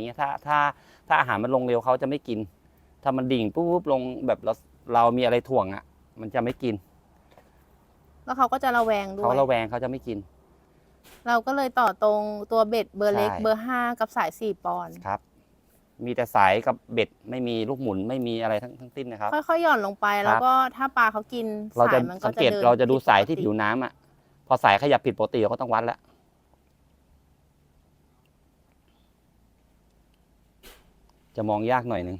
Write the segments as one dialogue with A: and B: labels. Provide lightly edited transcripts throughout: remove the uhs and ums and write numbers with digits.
A: งี้ยถ้าอาหารมันลงเร็วเขาจะไม่กินถ้ามันดิ่งปุ๊บลงแบบเรามีอะไรถ่วงอ่ะมันจะไม่กิน
B: แล้วเขาก็จะระแวงด้วย
A: เขาระแวงเขาจะไม่กิน
B: เราก็เลยต่อตรงตัวเบ็ดเบอร์เล็ก
A: ใช่
B: เบอร์ 5 กับสาย4 ปอนด์
A: ครับมีแต่สายกับเบ็ดไม่มีลูกหมุนไม่มีอะไรทั้งสิ้นนะครับ
B: ค่อยๆหย่อนลงไป
A: ครับ
B: แล้วก็ถ้าปลาเขากิน
A: เรา
B: สา
A: จะ
B: ยมันก็
A: สัง
B: จะ
A: เกต
B: เดิน
A: เราจะดูสายที่
B: ปกติ
A: ผิวน้ำอ่ะพอสายขยับผิดปกติเราก็ต้องวัดแล้วจะมองยากหน่อยหนึ่ง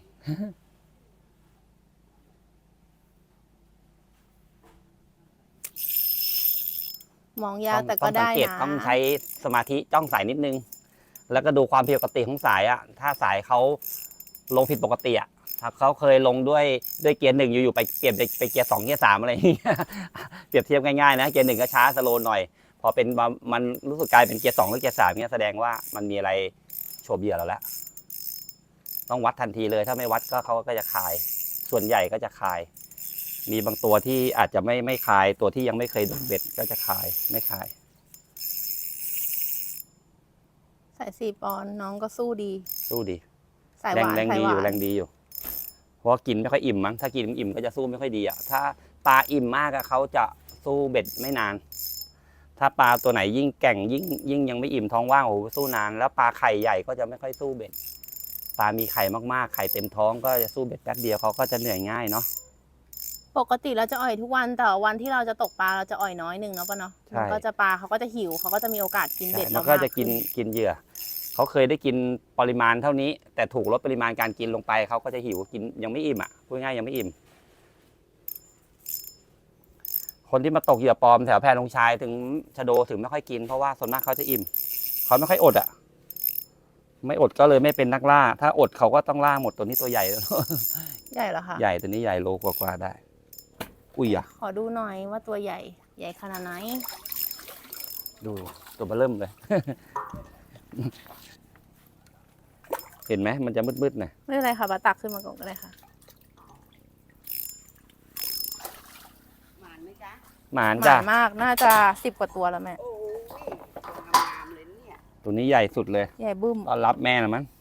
B: มองยากแต่ก็
A: ต้องสั
B: ได้
A: งเกต
B: นะ
A: ต้องใช้สมาธิจ้องสายนิดนึง แล้วก็ดูความผิดปกติของสายอ่ะถ้าสายเขาลงผิดปกติอ่ะถ้าเขาเคยลงด้วยเกียร์ 1อยู่ๆไปเปลี่ยนไปเกียร์ 2เกียร์ 3อะไรอย่างเงี้ย เปรียบเทียบง่ายๆนะเกียร์ 1ก็ช้าสโลว์หน่อยพอเป็นมันรู้สึกกลายเป็นเกียร์ 2หรือเกียร์ 3เงี้ยแสดงว่ามันมีอะไรโฉบเหยื่อเราแล้วต้องวัดทันทีเลยถ้าไม่วัดก็เขาก็จะคายส่วนใหญ่ก็จะคายมีบางตัวที่อาจจะไม่คายตัวที่ยังไม่เคยโดนเบ็ดก็จะคายไม่คาย
B: สาย4 ปอนด์น้องก็สู้ดี
A: สู้ดี
B: สายห
A: แรง
B: วาน
A: แรง
B: สาย
A: ดี
B: ห
A: อ
B: วา
A: ยู่
B: น
A: แรงดีอยู่ เพราะว่ากินไม่ค่อยอิ่มมั้งถ้ากินอิ่มก็จะสู้ไม่ค่อยดีอ่ะถ้าปลาอิ่มมากอะเขาจะสู้เบ็ดไม่นาน ถ้าปลาตัวไหนยิ่งแก่งยิ่งยังไม่อิ่มท้องว่างโอ้โหสู้นาน แล้วปลาไข่ใหญ่ก็จะไม่ค่อยสู้เบ็ดปลามีไข่มากๆไข่เต็มท้องก็จะสู้เบ็ดแป๊บเดียวเขาก็จะเหนื่อยง่ายเนาะ
B: ปกติเราจะอ่อยทุกวันแต่วันที่เราจะตกปลาเราจะอ่อยน้อยหนึ่งเนาะป่ะเนาะ
A: ใช่
B: มันก็จะปลาเขาก็จะหิวเขาก็จะมีโอกาสกินเบ็ด
A: มั
B: เรา
A: นก็
B: มาก
A: จะกิน
B: ขึ้
A: กินเหยื่อเขาเคยได้กินปริมาณเท่านี้ แต่ถูกลดปริมาณการกินลงไปเขาก็จะหิวกินยังไม่อิ่มอ่ะพูดง่ายยังไม่อิ่ม คนที่มาตกเหยื่อปลอมแถวแพรลงชายถึงชะโดถึงไม่ค่อยกินเพราะว่าส่วนมากเขาจะอิ่มเขาไม่ค่อยอดอ่ะไม่อดก็เลยไม่เป็นนักล่า ถ้าอดเขาก็ต้องล่าหมดตัวนี้ตัวใหญ่
B: ใหญ่เหรอคะ
A: ใหญ่ตัวนี้ใหญ่โลกว่าๆได้ อุ้ยอ่ะ
B: ขอดูหน่อยว่าตัวใหญ่ใหญ่ขนาดไหน
A: ดูตัวเบอเริ่มเลย เห็นไหมมันจะมืดๆหน่อย
B: ไม่เป็นไรค่ะปลาตักขึ้นมาก่อนก็ได้ค่ะ
C: หวานไหมจ๊ะ
A: หมาน
B: ห
A: จ้ะ
B: มานมากน่าจะ10 กว่าตัวแล้วแม่
C: โอ้ยงามๆเลยเนี่ย
A: ตัวนี้ใหญ่สุดเลย
B: ใหญ่บึ้ม
A: ต้อนรับแม่นะมั้ง